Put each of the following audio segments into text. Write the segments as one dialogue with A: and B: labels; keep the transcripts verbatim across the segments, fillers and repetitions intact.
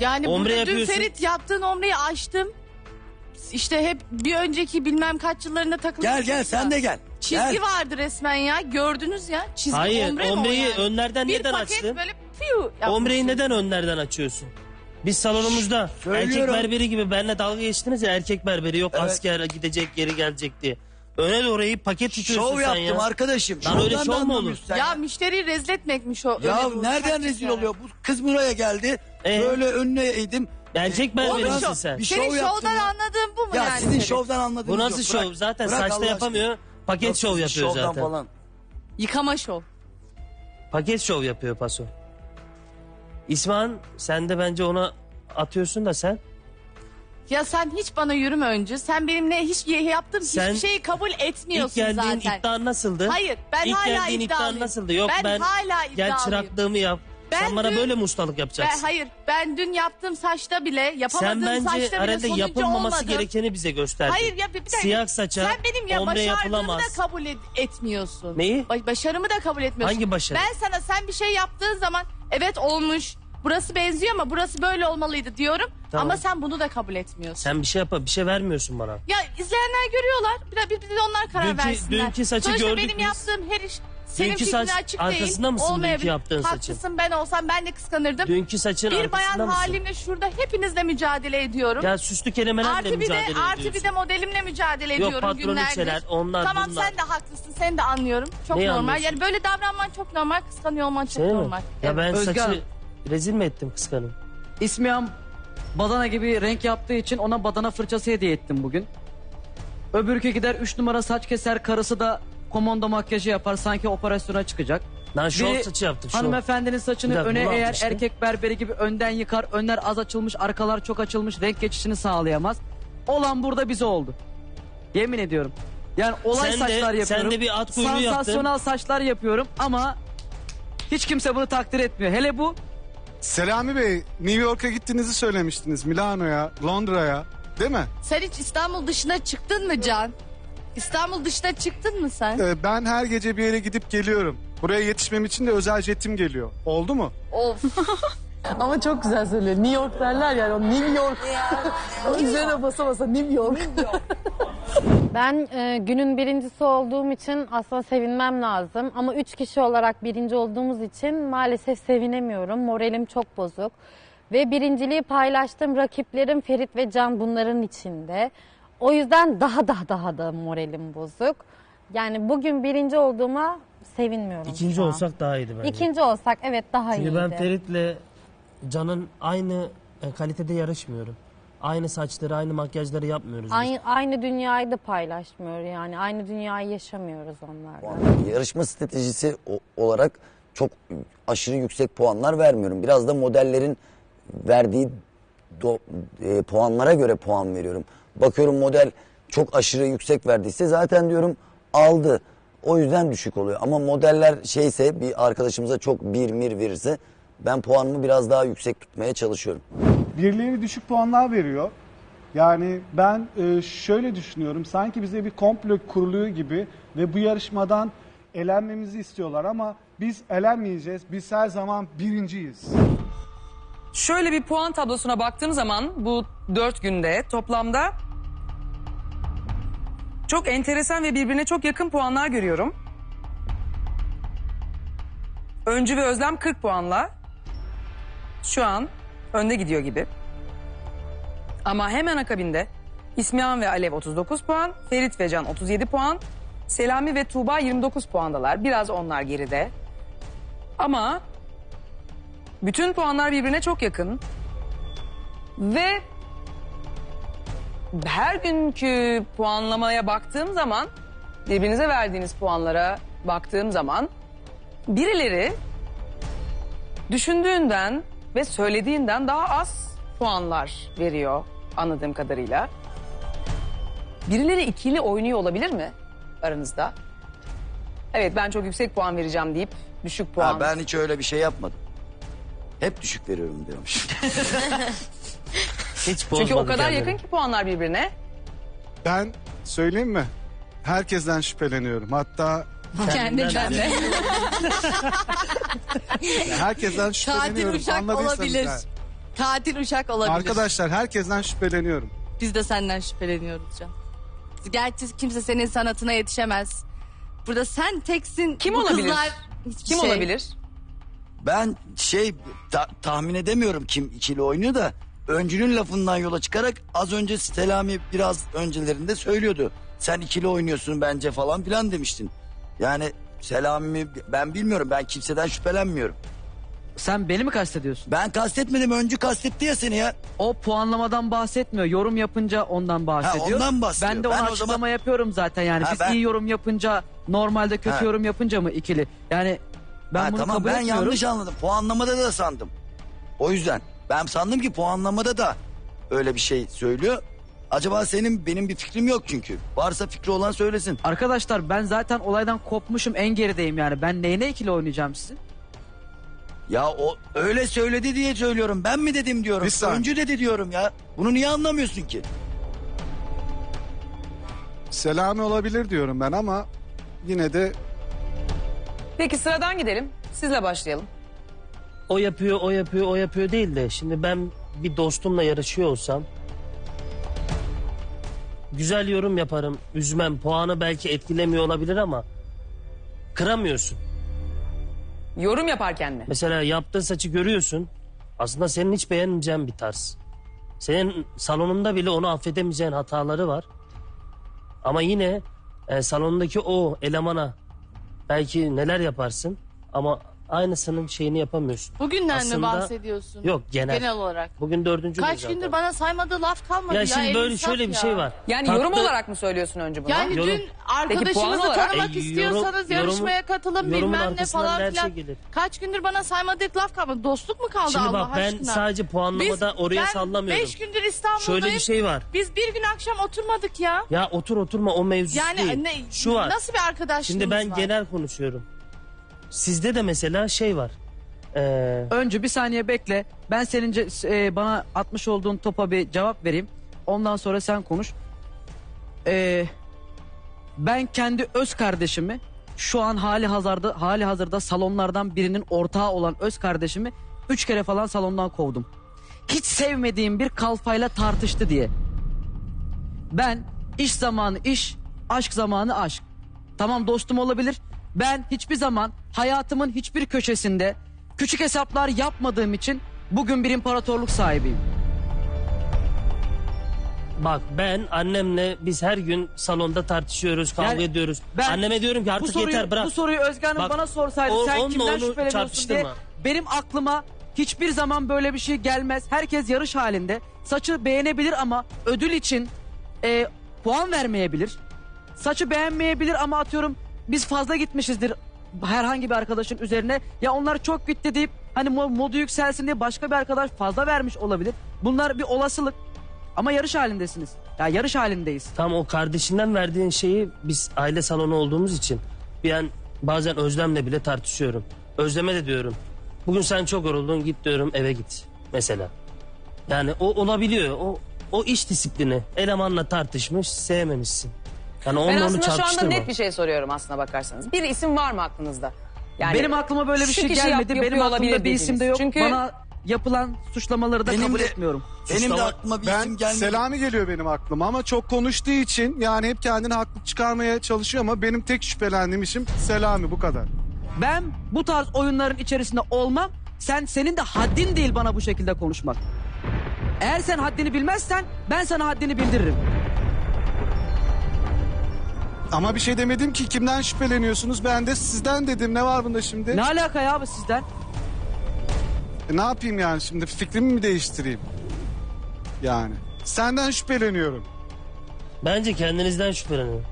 A: Yani
B: Ombre
A: burada dün
B: yapıyorsun.
A: Ferit yaptığın omreyi açtım. İşte hep bir önceki bilmem kaç yıllarında takılmış.
C: Gel gel sen de gel.
A: Çizgi
C: Gel.
A: vardı resmen ya. Gördünüz ya. Çizgi
B: Hayır,
A: ombre mi o
B: omreyi
A: yani?
B: önlerden
A: Bir
B: neden
A: paket
B: açtın?
A: böyle piu yapmışsın.
B: Omreyi neden önlerden açıyorsun? Biz salonumuzda
C: Söylüyorum.
B: erkek berberi gibi benimle dalga geçtiniz ya, erkek berberi yok,
C: Evet.
B: asker gidecek geri gelecek diye. Öne doğru eğip paket tutuyorsun
C: Şov
B: sen
C: yaptım
B: ya.
C: arkadaşım.
B: Lan öyle
C: Şovdan
B: şov
C: da
B: mu olur?
C: anlamıyorsun sen
A: Ya müşteriyi rezil etmekmiş o.
C: Ya
A: öyle bir
C: nereden
A: taktik
C: rezil
A: yani.
C: oluyor? Bu kız buraya geldi.
B: Ee?
C: Böyle önüne eğdim.
B: Erkek berberi
A: Oğlum
B: misin
A: şov-
B: sen?
C: Bir şov
A: Senin
C: yaptım
A: şovdan
C: ya.
A: anladığın bu mu
C: Ya
A: yani?
C: sizin
A: Ferit?
C: şovdan anladığınız
B: Bu nasıl
C: yok.
B: şov?
C: Bırak.
B: Zaten
C: Bırak
B: saçta
C: Allah
B: yapamıyor. Paket
C: Yok,
B: şov yapıyor
C: şovdan
B: zaten.
C: Falan.
A: Yıkama şov.
B: Paket şov yapıyor paso. İsmail sen de bence ona atıyorsun da sen.
A: Ya sen hiç bana yürüme önce. Sen benimle hiç yaptığım
B: Sen
A: hiçbir şeyi kabul
B: İlk
A: etmiyorsun
B: geldiğin
A: zaten.
B: iddian nasıldı?
A: Hayır, ben
B: İlk
A: hala
B: geldiğin iddian
A: iddialıyım.
B: nasıldı? Yok ben,
A: Ben hala
B: gel
A: iddialıyım.
B: çıraklığımı yap.
A: Ben
B: sen bana
A: dün-
B: böyle mi ustalık
A: Ben,
B: yapacaksın?
A: hayır, ben dün yaptığım saçta bile, yapamadığım
B: Sen bence
A: saçta bile
B: arada
A: sonucu
B: yapılmaması
A: olmadım.
B: gerekeni bize gösterdin.
A: Hayır ya bir, bir dakika.
B: Siyah saça
A: Sen benim ya
B: ombre
A: başardığımı
B: yapılamaz.
A: da kabul et- etmiyorsun.
B: Neyi?
A: Ba- başarımı da kabul etmiyorsun.
B: Hangi başarı?
A: Ben sana sen bir şey yaptığın zaman evet olmuş. Burası benziyor ama burası böyle olmalıydı diyorum.
B: Tamam.
A: Ama sen bunu da kabul etmiyorsun.
B: Sen bir şey yap, bir şey vermiyorsun bana.
A: Ya izleyenler görüyorlar. Bir de, bir de onlar karar
B: Dünkü-
A: versinler.
B: dünkü saçı
A: Sonuçta
B: gördük
A: benim
B: biz.
A: yaptığım her iş senin
B: Dünkü
A: fikrine
B: saç
A: açık
B: arkasında
A: değil.
B: mısın dünkü
A: Olmayabilir.
B: yaptığın saçın?
A: Haklısın, ben olsam ben de kıskanırdım.
B: Dünkü saçın
A: Bir bayan
B: arkasında mısın?
A: halimle şurada hepinizle mücadele ediyorum.
B: Ya süslü kelimelerle
A: Artı bir de
B: mücadele ediyorsun.
A: artı bir de modelimle mücadele
B: Yok,
A: ediyorum
B: patron
A: günlerdir.
B: içeler, onlar
A: Tamam
B: bunlar.
A: sen de haklısın, seni de anlıyorum. Çok
B: Neyi
A: normal.
B: anlıyorsun?
A: Yani böyle davranman çok normal, kıskanıyor olman çok
B: Şey mi?
A: normal.
B: Ya ben
D: Özge
B: saçı
D: Hanım.
B: rezil mi ettim kıskanım?
D: İsmiyam badana gibi renk yaptığı için ona badana fırçası hediye ettim bugün. Öbürkü gider üç numara saç keser, karısı da komondo makyajı yapar, sanki operasyona çıkacak.
B: Lan şov
D: Biri
B: saçı yaptım şov.
D: hanımefendinin saçını
B: Bir dakika,
D: öne
B: bunu
D: eğer
B: atmıştı.
D: erkek berberi gibi önden yıkar, önler az açılmış, arkalar çok açılmış, renk geçişini sağlayamaz. Olan burada bize oldu. Yemin ediyorum. Yani olay
B: Sen de-
D: saçlar yapıyorum.
B: sen de bir at kuyruğu yaptın.
D: Sansasyonel saçlar yapıyorum ama hiç kimse bunu takdir etmiyor. Hele bu
E: Selami Bey, New York'a gittiğinizi söylemiştiniz. Milano'ya, Londra'ya, değil mi?
A: Sen hiç İstanbul dışına çıktın mı Can? İstanbul dışına çıktın mı sen?
E: Ee, ben her gece bir yere gidip geliyorum. Buraya yetişmem için de özel jetim geliyor. Oldu mu?
A: Of.
F: Ama çok güzel söylüyor. New York derler yani. O New York. O üzerine basa basa New York.
G: Ben e, günün birincisi olduğum için aslında sevinmem lazım. Ama üç kişi olarak birinci olduğumuz için maalesef sevinemiyorum. Moralim çok bozuk. Ve birinciliği paylaştığım rakiplerim Ferit ve Can bunların içinde. O yüzden daha daha daha da moralim bozuk. Yani bugün birinci olduğuma sevinmiyorum.
B: İkinci
G: şu an.
B: olsak daha iyiydi bence.
G: İkinci olsak evet daha
B: Çünkü
G: iyiydi.
B: ben Ferit'le Can'ın aynı e, kalitede yarışmıyorum. Aynı saçları, aynı makyajları yapmıyoruz biz.
G: Aynı, aynı dünyayı da paylaşmıyor yani. Aynı dünyayı yaşamıyoruz onlarla.
C: Yarışma stratejisi o- olarak çok aşırı yüksek puanlar vermiyorum. Biraz da modellerin verdiği do- e, puanlara göre puan veriyorum. Bakıyorum model çok aşırı yüksek verdiyse zaten diyorum aldı. O yüzden düşük oluyor. Ama modeller şeyse bir arkadaşımıza çok bir mir verirse ben puanımı biraz daha yüksek tutmaya çalışıyorum.
H: Birileri düşük puanlar veriyor. Yani ben e, şöyle düşünüyorum. Sanki bize bir komplo kuruluyor gibi ve bu yarışmadan elenmemizi istiyorlar ama biz elenmeyeceğiz. Biz her zaman birinciyiz.
I: Şöyle bir puan tablosuna baktığım zaman bu dört günde toplamda çok enteresan ve birbirine çok yakın puanlar görüyorum. Öncü ve Özlem kırk puanla şu an önde gidiyor gibi. Ama hemen akabinde İsmihan ve Alev otuz dokuz puan, Ferit ve Can otuz yedi puan, Selami ve Tuğba yirmi dokuz puandalar. Biraz onlar geride. Ama bütün puanlar birbirine çok yakın. Ve her günkü puanlamaya baktığım zaman, birbirinize verdiğiniz puanlara baktığım zaman birileri düşündüğünden ve söylediğinden daha az puanlar veriyor anladığım kadarıyla. Birileri ikili oynuyor olabilir mi aranızda? Evet ben çok yüksek puan vereceğim deyip düşük puan.
C: Ha, ben hiç öyle bir şey yapmadım. Hep düşük veriyorum diyormuş.
B: Hiç
I: Çünkü o
B: bozmadı
I: kadar
B: kendini.
I: yakın ki puanlar birbirine.
E: Ben söyleyeyim mi? Herkesten şüpheleniyorum. Hatta
A: Kendinden de.
E: herkesten şüpheleniyorum.
A: uşak
E: Anladıysanız
A: olabilir.
E: yani.
A: Katil uşak olabilir.
E: Arkadaşlar herkesten şüpheleniyorum.
A: Biz de senden şüpheleniyoruz Can. Gerçi kimse senin sanatına yetişemez. Burada sen teksin.
I: Kim
A: bu
I: olabilir?
A: Kızlar hiçbir
I: Kim
A: şey.
I: olabilir?
J: Ben şey ta- tahmin edemiyorum kim ikili oynuyor da öncünün lafından yola çıkarak az önce Selami biraz öncelerinde söylüyordu. Sen ikili oynuyorsun bence falan filan demiştin. Yani Selami ben bilmiyorum, ben kimseden şüphelenmiyorum.
D: Sen beni mi kastediyorsun?
J: Ben kastetmedim, öncü kastetti ya seni ya.
D: O puanlamadan bahsetmiyor. Yorum yapınca ondan bahsediyor.
J: ondan bahsediyor.
D: Ben de ona
J: Ben o
D: açıklama
J: zaman-
D: yapıyorum zaten yani.
J: Ha,
D: Biz
J: ben-
D: iyi yorum yapınca normalde kötü
J: Ha.
D: yorum yapınca mı ikili? Yani ben
J: Ha,
D: bunu
J: tamam
D: kabul
J: ben
D: etmiyorum.
J: yanlış anladım. Puanlamada da sandım. O yüzden ben sandım ki puanlamada da öyle bir şey söylüyor. Acaba senin benim bir fikrim yok çünkü. Varsa fikri olan söylesin.
D: Arkadaşlar ben zaten olaydan kopmuşum, en gerideyim yani. Ben neyine ikili oynayacağım sizin?
J: Ya o öyle söyledi diye söylüyorum. Ben mi dedim diyorum.
E: Bir saniye.
J: Öncü dedi diyorum ya. Bunu niye anlamıyorsun ki?
E: Selami olabilir diyorum ben ama yine de
I: Peki sıradan gidelim. Sizle başlayalım.
B: O yapıyor, o yapıyor, o yapıyor değil de şimdi ben bir dostumla yarışıyor olsam güzel yorum yaparım, üzmem, puanı belki etkilemiyor olabilir ama kıramıyorsun.
I: Yorum yaparken mi?
B: Mesela yaptığı saçı görüyorsun, aslında senin hiç beğenmeyeceğin bir tarz. Senin salonunda bile onu affedemeyeceğin hataları var. Ama yine e, salondaki o elemana belki neler yaparsın ama aynısının şeyini yapamıyorsun.
A: Bugünden mi
B: Aslında-
A: bahsediyorsun?
B: Yok, genel.
A: Genel olarak.
B: Bugün dördüncü
A: Kaç
B: gün zaten.
A: gündür bana saymadığı laf kalmadı ya.
B: Ya şimdi
A: el
B: böyle
A: insaf
B: şöyle bir
A: ya.
B: şey var.
I: Yani
B: Tatlı-
I: yorum olarak mı söylüyorsun önce bunu?
A: Yani
B: Yorum.
A: dün arkadaşımızı
I: puan olarak-
A: tanımak
B: E,
A: istiyorsanız
B: yorum-
A: yarışmaya katılın
B: yorumun
A: bilmem ne
B: arkasından
A: falan
B: her
A: filan.
B: şey gelir.
A: Kaç gündür bana saymadığı laf kalmadı. Dostluk mu kaldı
B: Şimdi
A: Allah
B: bak ben
A: aşkına?
B: sadece puanlamada oraya
A: ben
B: sallamıyorum.
A: beş gündür İstanbul'dayım.
B: Şöyle bir şey var.
A: Biz bir gün akşam oturmadık ya.
B: Ya otur oturma o mevzusu
A: Yani
B: değil.
A: ne,
B: Şu var.
A: nasıl bir arkadaşlığımız
B: Şimdi ben
A: var?
B: genel konuşuyorum. Sizde de mesela şey var. Ee,
D: Öncü bir saniye bekle. Ben senince e, bana atmış olduğun topa bir cevap vereyim. Ondan sonra sen konuş. Ee, ben kendi öz kardeşimi şu an hali hazırda hali hazırda salonlardan birinin ortağı olan öz kardeşimi üç kere falan salondan kovdum. Hiç sevmediğim bir kalfayla tartıştı diye. Ben iş zamanı iş, aşk zamanı aşk. Tamam dostum olabilir. Ben hiçbir zaman hayatımın hiçbir köşesinde küçük hesaplar yapmadığım için bugün bir imparatorluk sahibiyim.
B: bak ben annemle biz her gün salonda tartışıyoruz, kavga
D: Yani
B: ediyoruz.
D: ben-
B: Anneme diyorum ki
D: Bu
B: artık
D: soruyu,
B: yeter bırak.
D: bu soruyu Özge Hanım
B: Bak,
D: bana sorsaydı
B: o-
D: sen
B: onunla
D: kimden
B: onu
D: şüpheleniyorsun
B: çarpıştırma.
D: diye benim aklıma hiçbir zaman böyle bir şey gelmez. Herkes yarış halinde. Saçı beğenebilir ama ödül için e, puan vermeyebilir. Saçı beğenmeyebilir ama atıyorum biz fazla gitmişizdir herhangi bir arkadaşın üzerine. Ya onlar çok gitti deyip hani mo- modu yükselsin diye başka bir arkadaş fazla vermiş olabilir. Bunlar bir olasılık. Ama yarış halindesiniz. Ya yarış halindeyiz.
B: Tam o kardeşinden verdiğin şeyi biz aile salonu olduğumuz için bir an bazen Özlem'le bile tartışıyorum. Özlem'e de diyorum. Bugün sen çok yoruldun git diyorum eve git mesela. Yani o olabiliyor. O o iş disiplini. Elemanla tartışmış sevmemişsin. Yani
I: Ben
B: onunla onu
I: aslında şu anda
B: çarpıştırma.
I: net bir şey soruyorum aslına bakarsanız. Bir isim var mı aklınızda? Yani
D: Benim aklıma böyle bir
I: şu
D: şey
I: kişi yap-
D: gelmedi.
I: yapıyor
D: Benim
I: olabilir
D: aklımda bir isim de
I: dediğiniz.
D: yok.
I: Çünkü
D: Bana yapılan suçlamaları da
J: Benim
D: kabul
J: de-
D: etmiyorum.
J: Benim de
B: Suçlama-
J: aklıma bir
E: ben
J: isim gelmedi.
E: Selami geliyor benim aklıma ama çok konuştuğu için yani hep kendini haklı çıkarmaya çalışıyor ama benim tek şüphelendiğim isim Selami, bu kadar.
D: Ben bu tarz oyunların içerisinde olmam. Sen senin de haddin değil bana bu şekilde konuşmak. Eğer sen haddini bilmezsen ben sana haddini bildiririm.
E: Ama bir şey demedim ki, kimden şüpheleniyorsunuz? Ben de sizden dedim. Ne var bunda şimdi?
D: Ne alaka ya bu sizden?
E: E, ne yapayım yani şimdi, fikrimi mi değiştireyim? Yani senden şüpheleniyorum.
B: Bence kendinizden şüphelenin.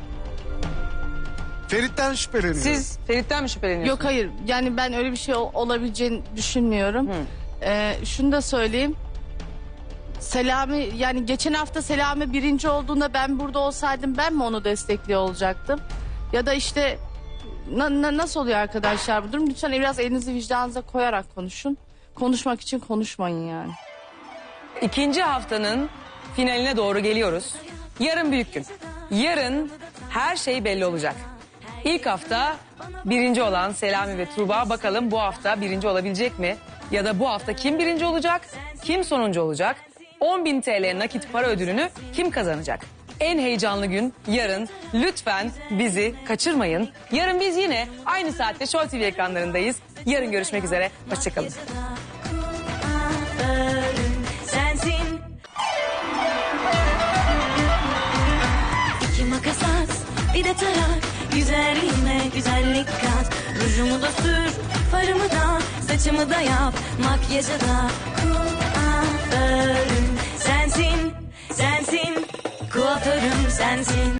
E: Ferit'ten şüpheleniyorum.
I: siz Ferit'ten mi şüpheleniyorsunuz?
A: Yok hayır yani ben öyle bir şey ol- olabileceğini düşünmüyorum. Ee, şunu da söyleyeyim. Selami yani geçen hafta Selami birinci olduğunda ben burada olsaydım ben mi onu destekliyor olacaktım? Ya da işte na- na- nasıl oluyor arkadaşlar bu durum? Lütfen biraz elinizi vicdanınıza koyarak konuşun. Konuşmak için konuşmayın yani.
I: İkinci haftanın finaline doğru geliyoruz. Yarın büyük gün. Yarın her şey belli olacak. İlk hafta birinci olan Selami ve Tuğba, bakalım bu hafta birinci olabilecek mi? ya da bu hafta kim birinci olacak, kim sonuncu olacak? on bin T L nakit para ödülünü kim kazanacak? En heyecanlı gün yarın. Lütfen bizi kaçırmayın. Yarın biz yine aynı saatte Show T V ekranlarındayız. Yarın görüşmek üzere. Hoşçakalın.
K: Sensin. İki makas at, bir de tarak. Güzelliğime güzellik kat. Rujumu da sür, farımı da, saçımı da yap. Makyajı da kuaförüm sensin, sensin. Kuaförüm sensin.